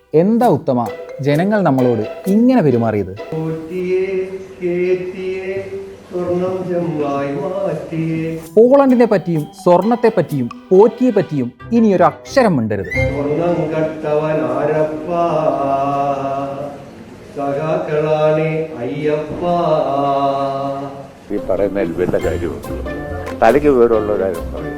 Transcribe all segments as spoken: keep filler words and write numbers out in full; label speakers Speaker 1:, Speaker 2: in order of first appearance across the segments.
Speaker 1: എന്താ ഉത്തമ ജനങ്ങൾ നമ്മളോട് ഇങ്ങനെ പെരുമാറിയത്? പോളണ്ടിനെ പറ്റിയും സ്വർണത്തെ പറ്റിയും പോറ്റിയെ പറ്റിയും ഇനി ഒരു അക്ഷരം മിണ്ടരുത്.
Speaker 2: ഈ പറയുന്ന എൽവിന്റെ കാര്യമുണ്ട്, തലയ്ക്ക് വീടുള്ളവരായിരുന്നു പറയും.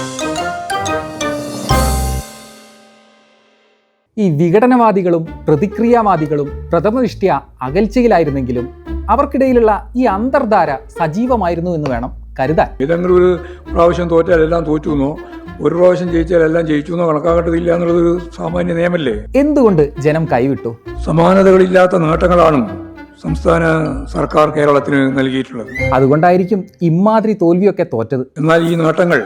Speaker 1: ഈ വിഘടനവാദികളും പ്രതിക്രിയാവാദികളും പ്രഥമദൃഷ്ട്യാ അകൽച്ചയിലായിരുന്നെങ്കിലും അവർക്കിടയിലുള്ള ഈ അന്തർധാര സജീവമായിരുന്നു എന്ന് വേണം കരുതാൻ.
Speaker 3: ഏതെങ്കിലും ഒരു പ്രാവശ്യം തോറ്റാൽ എല്ലാം തോറ്റു എന്നോ ഒരു പ്രാവശ്യം ജയിച്ചാൽ എല്ലാം ജയിച്ചു എന്നോ കണക്കാക്കേണ്ടതില്ല എന്നുള്ളതൊരു സാമാന്യ നിയമല്ലേ?
Speaker 1: എന്തുകൊണ്ട് ജനം കൈവിട്ടു?
Speaker 3: സമാനതകളില്ലാത്ത നേട്ടങ്ങളാണ് സംസ്ഥാന സർക്കാർ കേരളത്തിന് നൽകിയിട്ടുള്ളത്.
Speaker 1: അതുകൊണ്ടായിരിക്കും ഇമാതിരി തോൽവിയൊക്കെ തോറ്റത്.
Speaker 3: എന്നാൽ ഈ നേട്ടങ്ങൾ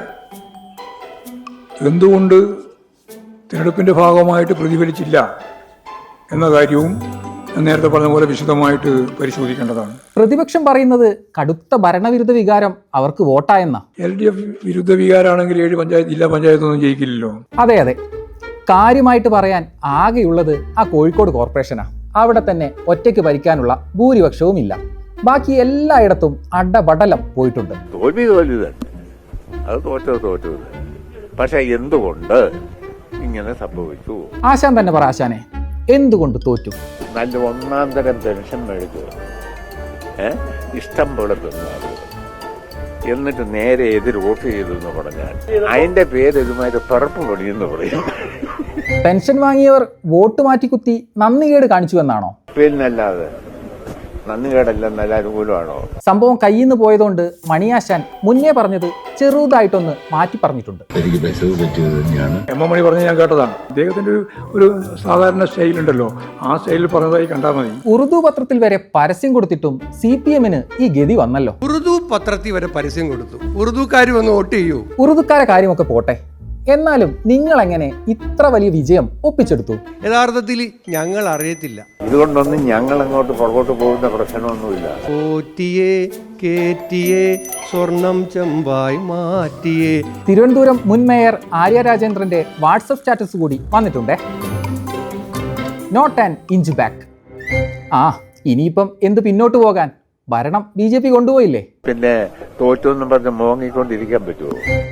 Speaker 3: എന്തുകൊണ്ട് തിരഞ്ഞെടുപ്പിന്റെ ഭാഗമായിട്ട് പ്രതിഫലിച്ചില്ല എന്ന കാര്യവും നേരത്തെ പറഞ്ഞ പോലെ വിശദമായിട്ട് പരിശോധിക്കേണ്ടതാണ്.
Speaker 1: പ്രതിപക്ഷം പറയുന്നത് കടുത്ത ഭരണവിരുദ്ധ വികാരം അവർക്ക് വോട്ടായെന്ന.
Speaker 3: എൽ ഡി എഫ് വിരുദ്ധ വികാരമാണെങ്കിൽ ഏഴ് പഞ്ചായത്ത് ജില്ലാ പഞ്ചായത്തൊന്നും ജയിക്കില്ലല്ലോ.
Speaker 1: അതെ അതെ, കാര്യമായിട്ട് പറയാൻ ആകെയുള്ളത് ആ കോഴിക്കോട് കോർപ്പറേഷനാ. അവിടെ തന്നെ ഒറ്റയ്ക്ക് ഭരിക്കാനുള്ള ഭൂരിപക്ഷവും ഇല്ല. ബാക്കി എല്ലായിടത്തും അടപടലം പോയിട്ടുണ്ട്.
Speaker 2: തോൽവി തോൽവി തന്നെ, അത് തോറ്റത് തോറ്റത്. പക്ഷെ എന്തുകൊണ്ട് ഇങ്ങനെ സംഭവിച്ചു?
Speaker 1: ആശാൻ തന്നെ പറ ആശാനെ, എന്തുകൊണ്ട് തോറ്റു?
Speaker 2: നല്ല ഒന്നാം തരം പെൻഷൻ മേടിച്ചു, ഏഹ് ഇഷ്ടം പോലെ തിന്നാറ്, എന്നിട്ട് നേരെ എതിർ വോട്ട് ചെയ്തു എന്ന് പറഞ്ഞാൽ അതിന്റെ പേര് ഇതുമാതിരി പിറപ്പ് പണിയെന്ന് പറയും.
Speaker 1: പെൻഷൻ വാങ്ങിയവർ വോട്ട് മാറ്റിക്കുത്തി നന്ദികേട് കാണിച്ചു എന്നാണോ?
Speaker 2: പിന്നല്ലാതെ നന്ദികേടല്ല, നല്ല അനുകൂലമാണോ?
Speaker 1: സംഭവം കയ്യിൽ നിന്ന് പോയതുകൊണ്ട് മണിയാശാൻ മുന്നേ പറഞ്ഞത് ചെറുതായിട്ടൊന്ന് മാറ്റി പറഞ്ഞിട്ടുണ്ട്.
Speaker 3: എം എം മണി പറഞ്ഞ് ഞാൻ കേട്ടതാണ്. അദ്ദേഹത്തിന്റെ ഒരു ഒരു സാധാരണ സ്റ്റൈലുണ്ടല്ലോ, ആ സ്റ്റൈലിൽ പറഞ്ഞതായി കണ്ടാൽ മതി.
Speaker 1: ഉറുദു പത്രത്തിൽ വരെ പരസ്യം കൊടുത്തിട്ടും സി പി എമ്മിന് ഈ ഗതി വന്നല്ലോ.
Speaker 4: ഉറുദു പത്രത്തിൽ വരെ പരസ്യം കൊടുത്തു, ഉറുദുക്കാർ വന്ന് വോട്ട് ചെയ്യൂ.
Speaker 1: ഉറുദുക്കാരെ കാര്യമൊക്കെ പോട്ടെ, എന്നാലും നിങ്ങൾ എങ്ങനെ ഇത്ര വലിയ വിജയം ഒപ്പിച്ചെടുത്തു?
Speaker 4: യഥാർത്ഥത്തിൽ ഞങ്ങൾ അറിയത്തില്ല.
Speaker 2: ഇതുകൊണ്ടൊന്നും ഞങ്ങൾ അങ്ങോട്ട് പുറകോട്ട് പോകുന്ന പ്രശ്നമൊന്നുമില്ല.
Speaker 4: പോറ്റിയെ കേറ്റിയെ സ്വർണം ചെമ്പായി മാറ്റിയേ.
Speaker 1: തിരുവനന്തപുരം മുൻ മേയർ ആര്യ രാജേന്ദ്രന്റെ വാട്സപ്പ് സ്റ്റാറ്റസ് കൂടി വന്നിട്ടുണ്ടേ. Not an inch back. ആ ഇനിയിപ്പം എന്ത് പിന്നോട്ട് പോകാൻ? ഭരണം ബി ജെ പി കൊണ്ടുപോയില്ലേ.
Speaker 2: പിന്നെ തോറ്റൊന്നും പറഞ്ഞ് മോങ്ങിക്കൊണ്ടിരിക്കാൻ പറ്റുമോ?